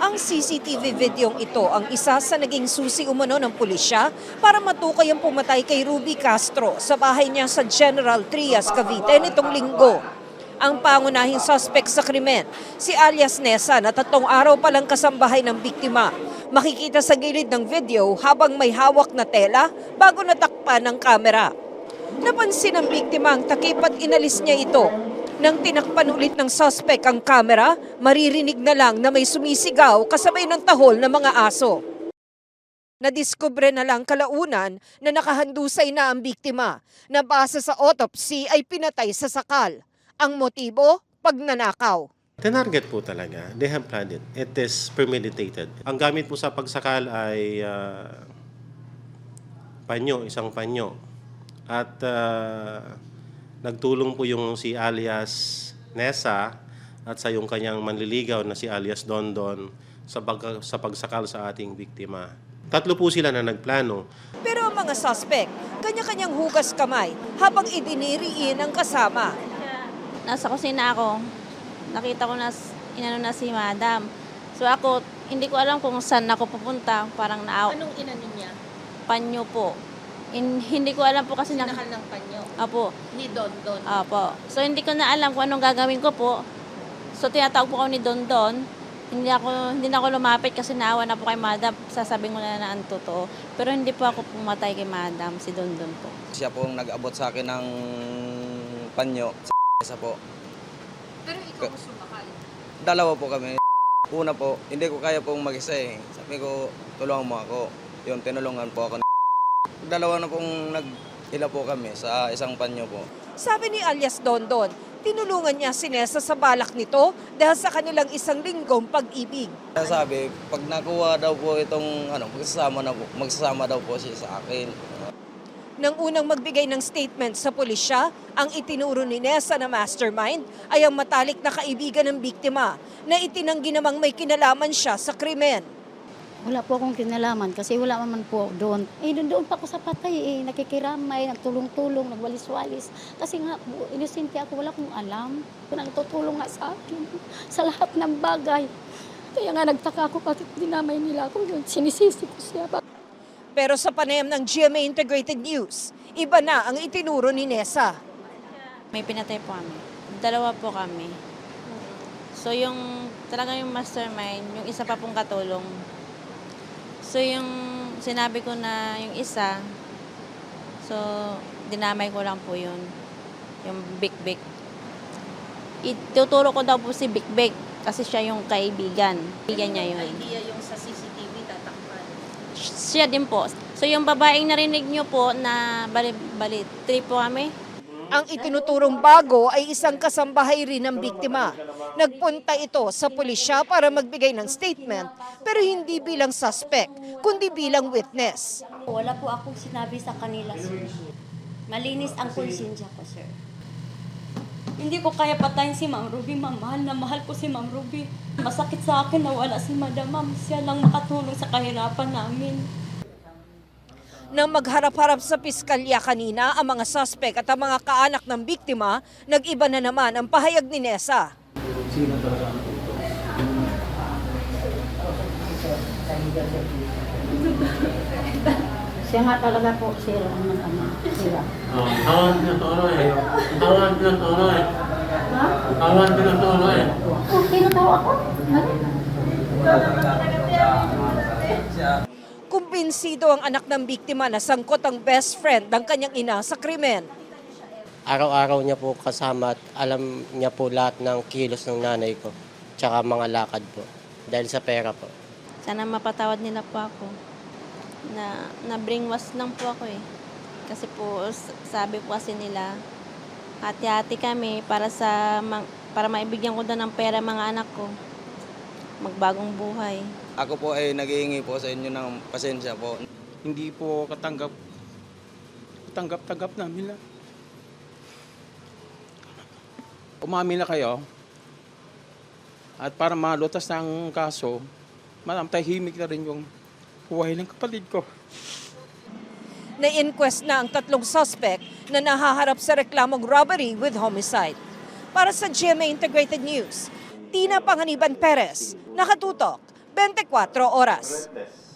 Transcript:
Ang CCTV videong ito ang isa sa naging susi umano ng pulisya para matukoy ang pumatay kay Ruby Castro sa bahay niya sa General Trias, Cavite nitong linggo. Ang pangunahing suspect sa krimen, si alias Nessa na 3 araw palang kasambahay ng biktima. Makikita sa gilid ng video habang may hawak na tela bago natakpan ng kamera. Napansin ng biktima ang takip at inalis niya ito. Nang tinakpan ulit ng suspect ang kamera, maririnig na lang na may sumisigaw kasabay ng tahol ng mga aso. Nadiskubre na lang kalaunan na nakahandusay na ang biktima na base sa autopsy ay pinatay sa sakal. Ang motibo, pagnanakaw. Tinarget po talaga. They have planned it. It is premeditated. Ang gamit po sa pagsakal ay panyo, isang panyo. At nagtulong po yung si alias Nessa at sa yung kanyang manliligaw na si alias Dondon sa pagsakal sa ating biktima. 3 po sila na nagplano. Pero ang mga suspect, kanya-kanyang hugas kamay habang idiniriin ang kasama. Nasa kusina ako, nakita ko na inano na si Madam. So ako, hindi ko alam kung saan ako pupunta, parang naaw. Anong inano niya? Panyo po. Hindi ko alam po kasi Sinakal ng panyo? Apo. Ni Don. Apo. So hindi ko na alam kung anong gagawin ko po. So tinatawag po ako ni Don. Hindi na ako lumapit kasi naawa na po kay Madam. Sasabihin ko na ang totoo. Pero hindi po ako pumatay kay Madam, si Don po. Siya po nag-abot sa akin ng panyo. Isa po. Pero ikaw mo sumakal? Dalawa po kami. Una po, hindi ko kaya pong mag-isa eh. Sabi ko, tulungan mo ako. Yun, tinulungan po ako. Dalawa na pong nag-ila po kami sa isang panyo po. Sabi ni alias Dondon, tinulungan niya si Nessa sa balak nito dahil sa kanilang 1 linggong pag-ibig. Sabi, pag nakuha daw po itong magsasama daw po siya sa akin. Nang unang magbigay ng statement sa pulisya, ang itinuro ni Nessa na mastermind ay ang matalik na kaibigan ng biktima na itinanggi namang may kinalaman siya sa krimen. Wala po akong kinalaman kasi wala man po doon. Doon pa ako sa patay nakikiramay, nagtulong-tulong, nagwalis-walis. Kasi nga, inosente ako, wala akong alam. Nagtutulong nga sa akin sa lahat ng bagay. Kaya nga nagtaka ako bakit dinamay nila ako doon. Sinisisi ko siya. Pero sa panayam ng GMA Integrated News, iba na ang itinuro ni Nessa. May pinatay po kami. 2 po kami. So yung talaga yung mastermind, yung isa pa pong katulong. So yung sinabi ko na yung isa, so dinamay ko lang po yun. Yung Big. Ituturo ko daw po si Big kasi siya yung kaibigan. Kaibigan niya yun. Idea yung sa CCTV tatakpan? Siya din po. So yung babaeng narinig niyo po na bali 3 po kami. Ang itinuturong bago ay isang kasambahay rin ng biktima. Nagpunta ito sa pulisya para magbigay ng statement pero hindi bilang suspect, kundi bilang witness. Wala po akong sinabi sa kanila, sir. Malinis ang konsensya ko, sir. Hindi ko kaya patayin si Ma'am Ruby, ma'am. Mahal na mahal ko si Ma'am Ruby. Masakit sa akin na wala si Madam, ma'am. Siya lang makatulong sa kahirapan namin. Nang magharap-harap sa piskalya kanina, ang mga suspect at ang mga kaanak ng biktima, nag-iba na naman ang pahayag ni Nessa. Siya nga talaga po, sir, ang mag-ama. Sila. Kawan pinatuloy. Oh, tinatawa ako. Kumbinsido ang anak ng biktima na sangkot ang best friend ng kanyang ina sa krimen. Araw-araw niya po kasama at alam niya po lahat ng kilos ng nanay ko, tsaka mga lakad po, dahil sa pera po. Sana mapatawad nila po ako. Na-brainwash lang po ako eh. Kasi po, sabi po kasi nila, hati-hati kami para maibigyan ko daw ng pera mga anak ko. Magbagong buhay. Ako po ay naghihingi po sa inyo ng pasensya po. Hindi po katanggap namin lang. Umamin na kayo at para malutas ng kaso, tahimik na rin yung buhay ng kapatid ko. Na-inquest na ang 3 suspect na nahaharap sa reklamong robbery with homicide. Para sa GMA Integrated News, Tina Panganiban Perez, nakatutok, 24 oras.